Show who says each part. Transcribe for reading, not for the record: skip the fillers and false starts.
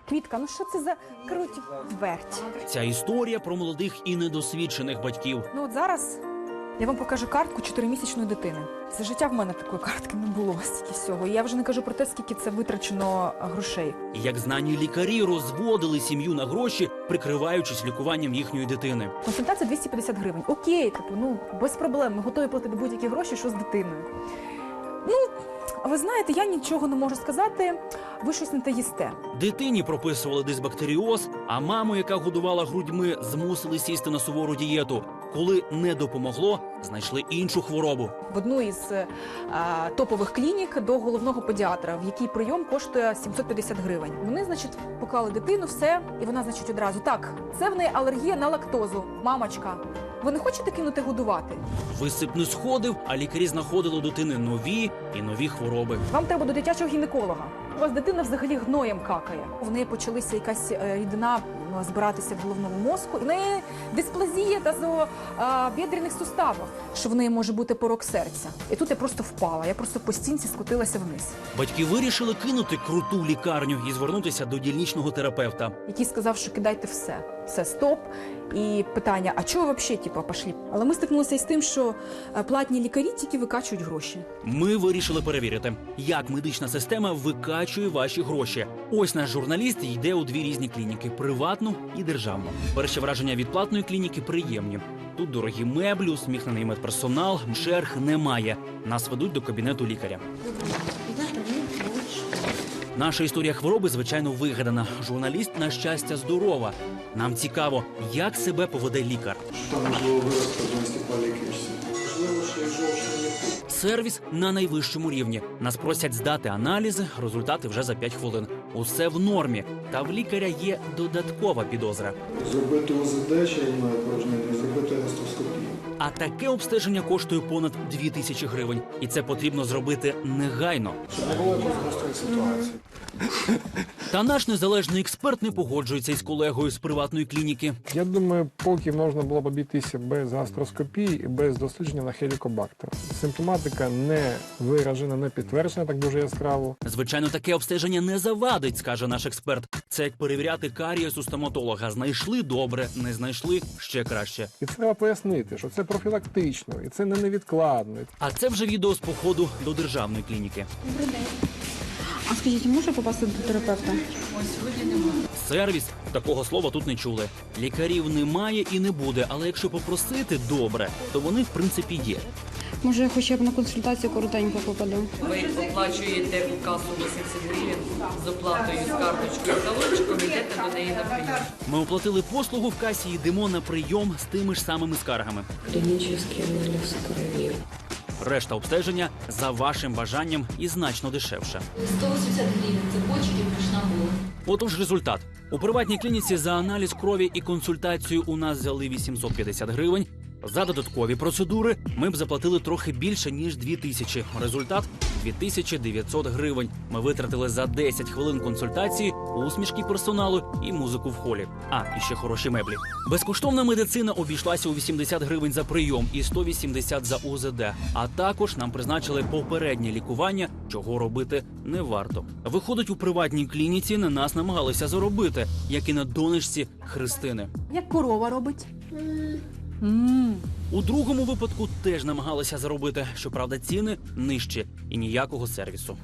Speaker 1: Квітка, ну що це за круть верть?
Speaker 2: Ця історія про молодих і недосвідчених батьків.
Speaker 1: Ну от зараз я вам покажу картку 4-місячної дитини. За життя в мене такої картки не було стільки всього. Я вже не кажу про те, скільки це витрачено грошей.
Speaker 2: Як знані лікарі розводили сім'ю на гроші, прикриваючись лікуванням їхньої дитини.
Speaker 1: Консультація 250 гривень. Окей, ну без проблем, ми готові платити будь-які гроші, що з дитиною. Ну, ви знаєте, я нічого не можу сказати, ви щось не те їсте.
Speaker 2: Дитині прописували дисбактеріоз, а маму, яка годувала грудьми, змусили сісти на сувору дієту. Коли не допомогло, знайшли іншу хворобу.
Speaker 1: В одну із топових клінік до головного педіатра, в якій прийом коштує 750 гривень. Вони, значить, поклали дитину, все, і вона, значить, одразу. Так, це в неї алергія на лактозу. Мамочка, ви не хочете кинути годувати?
Speaker 2: Висип не сходив, а лікарі знаходили у дитини нові і нові хвороби.
Speaker 1: Вам треба до дитячого гінеколога. У вас дитина взагалі гноєм какає. В неї почалася якась рідина збиратися в головному мозку. В неї дисплазія тазобідрених суставів, що в неї може бути порок серця. І тут я просто впала, я просто по стінці скотилася вниз.
Speaker 2: Батьки вирішили кинути круту лікарню і звернутися до дільничного терапевта.
Speaker 1: Який сказав, що кидайте все. Все, стоп. І питання, а чого ви взагалі, пішли? Але ми стикнулися із тим, що платні лікарі тільки викачують гроші.
Speaker 2: Ми вирішили перевірити, як медична система викачує ваші гроші. Ось наш журналіст йде у дві різні клініки – приватну і державну. Перші враження від платної клініки приємні. Тут дорогі меблі, усміхнений медперсонал, черг немає. Нас ведуть до кабінету лікаря. Наша історія хвороби, звичайно, вигадана. Журналіст, на щастя, здорова. Нам цікаво, як себе поведе лікар.
Speaker 3: Що можливо виразка до стеклолікарські? Можливо, що і жовчний відхід.
Speaker 2: Сервіс на найвищому рівні. Нас просять здати аналізи, результати вже за 5 хвилин. Усе в нормі. Та в лікаря є додаткова підозра.
Speaker 3: Зробити ОЗД черевної порожнини і зробити гастроскопію.
Speaker 2: А таке обстеження коштує понад 2000 гривень. І це потрібно зробити негайно.
Speaker 3: Щоб не було якоїсь гострої ситуації.
Speaker 2: Та наш незалежний експерт не погоджується із колегою з приватної клініки.
Speaker 4: Я думаю, поки можна було б обійтися без гастроскопії і без дослідження на хелікобактер. Симптоматика не виражена, не підтверджена так дуже яскраво.
Speaker 2: Звичайно, таке обстеження не завадить, скаже наш експерт. Це як перевіряти карієс у стоматолога. Знайшли – добре, не знайшли – ще краще.
Speaker 4: І треба пояснити, що це профілактично, і це не невідкладно.
Speaker 2: А це вже відео з походу до державної клініки.
Speaker 5: А скажіть, може попасти до терапевта?
Speaker 2: Сервіс – такого слова тут не чули. Лікарів немає і не буде, але якщо попросити добре, то вони в принципі є.
Speaker 5: Може, я хоча б на консультацію коротенько попаду?
Speaker 6: Ви оплачуєте у касу 80 гривень з оплатою з карточкою талончиком, йдете до неї на прийом.
Speaker 2: Ми оплатили послугу в касі і йдемо на прийом з тими ж самими скаргами.
Speaker 7: Клинический анализ крови.
Speaker 2: Решта обстеження за вашим бажанням і значно дешевше.
Speaker 7: 180 гривен цепочки пришла була.
Speaker 2: Отож результат. У приватній клініці за аналіз крові і консультацію у нас взяли 850 гривень. За додаткові процедури ми б заплатили трохи більше, ніж 2000. Результат – 2900 гривень. Ми витратили за 10 хвилин консультації, усмішки персоналу і музику в холі. А, і ще хороші меблі. Безкоштовна медицина обійшлася у 80 гривень за прийом і 180 за УЗД. А також нам призначили попереднє лікування, чого робити не варто. Виходить, у приватній клініці на нас намагалися заробити, як і на донечці Христини.
Speaker 1: Як корова робить?
Speaker 2: У другому випадку теж намагалися заробити, щоправда, ціни нижчі і ніякого сервісу.